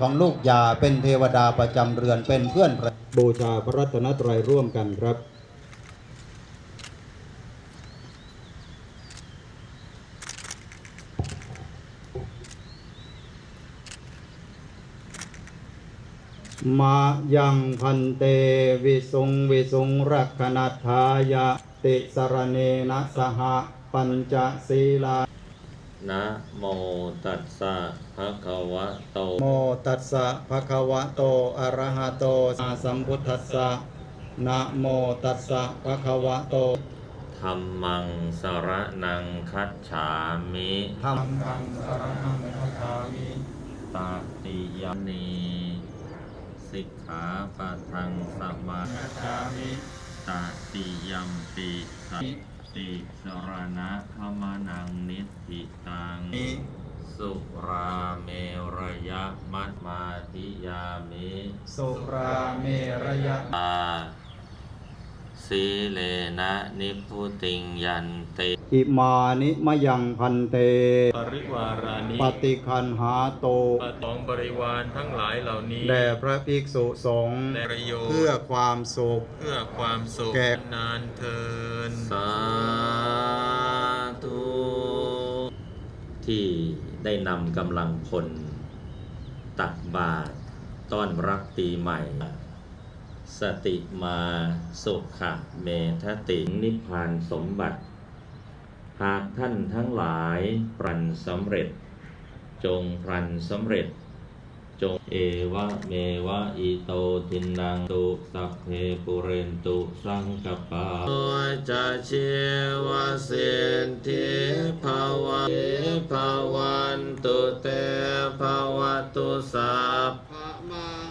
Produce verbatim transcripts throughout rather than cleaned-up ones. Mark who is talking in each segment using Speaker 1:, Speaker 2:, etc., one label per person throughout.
Speaker 1: ของลูกยาเป็นเทวดาประจำเรือนเป็นเพื่อนบูชาพระรัตนตรัยร่วมกันครับมายังพันเตวิสุงวิสุงรักขณัฏฐายะติสรเนนะสหปัญจศีลา
Speaker 2: นะโมตัสสะภะคะวะโต
Speaker 1: โมตัสสะภะคะวะโตอะระหะโตสัมพุทธัสสะนะโมตัสสะภะคะวะโต
Speaker 2: ธัมมังสรณังคัจฉามิ
Speaker 1: ธัมมังสรณังคัจฉามิ
Speaker 2: ตติยมนีสิกขาปะทังสมา
Speaker 1: คัจฉามิ
Speaker 2: ตติยัมปิสัตติสรณะขมานังนิธิตังสุราเมรยะมัตมาธิยามิ
Speaker 1: สุราเมรยะ
Speaker 2: อาสีเลนะนิพุติงยันเต
Speaker 1: อิมานิมะยังพันเต
Speaker 3: ปริวารานิ
Speaker 1: ปฏิคันหาโต
Speaker 3: ปตองบริวารทั้งหลายเหล่านี้
Speaker 1: แด่พระภิกษุสงฆ์เพื่อความสุข
Speaker 3: เพื่อความสุข
Speaker 1: แก่
Speaker 3: นานเทิน
Speaker 2: สาธุที่ได้นำกำลังพลตักบาตรต้อนรับปีใหม่สติมาสุขะเมทตินิพพานสมบัติหากท่านทั้งหลายปรันสำเร็จจงปรันสำเร็จจงเอวะเมวะอิโตทินังตุสัพเพปุเรนตุสังกปาโอจะเชวะเสนทิภาวะภาวันตุเตภาวะตุสัพพะมัง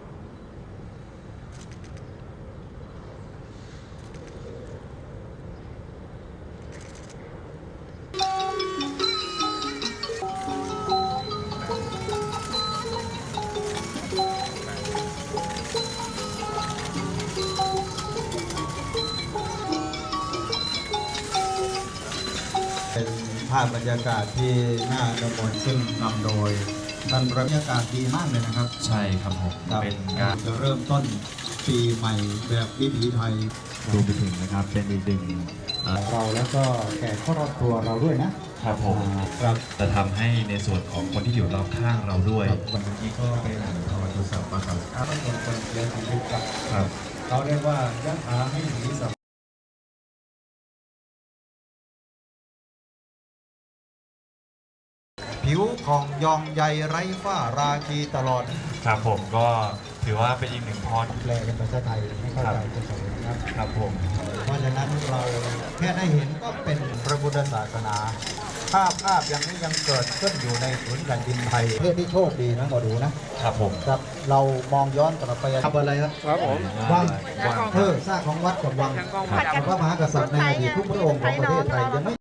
Speaker 1: เป็นภาพบรรยากาศที่น่าละมุนซึ่งนำโดยท่านบรรยากาศดีมากเลยนะครับ
Speaker 4: ใช่ครับผมเป็นการ
Speaker 1: จะเริ่มต้นปีใหม่แบบวิถีไทย
Speaker 4: รวมไปถึงนะครับเป็นอีกหนึ่ง
Speaker 1: เราแล้วก็แขกครอบครัวเราด้วยนะครับ
Speaker 4: ผม
Speaker 1: ครับ
Speaker 4: จะทำให้ในส่วนของคนที่อยู่รอบข้างเราด้วย
Speaker 1: วันนี้ก็เป็นภาวะตุสัพพะครับถ้าไม่คนคนเลี้ยงชีวิตครับเราเรียกว่ายะถาให้สีสัพผิวผ่องยองใยไร้ฝ้าราคีตลอด
Speaker 4: ครับผมก็ถือว่าเป็นอีกหนึ่งพร
Speaker 1: แปลเป็นภาษาไทยให้เข้าใจจะสอนครับ
Speaker 4: ครับผม
Speaker 1: เพราะฉะนั้นเราแค่ได้เห็นก็เป็นพระพุทธศาสนาภาพภาพอย่างนี้ยังเกิดขึ้นอยู่ในผืนแผ่นดินไทยเพื่อที่โชคดีนะหมอดูนะครับ
Speaker 4: ผม
Speaker 1: ครับเรามองย้อนกลับไปทำอะไรครับ
Speaker 3: ครับผม
Speaker 1: วังเออซากของวัดกับวังพระมหากษัตริย์ในอดีตทุกพระองค์ของประเทศไทยยังไม่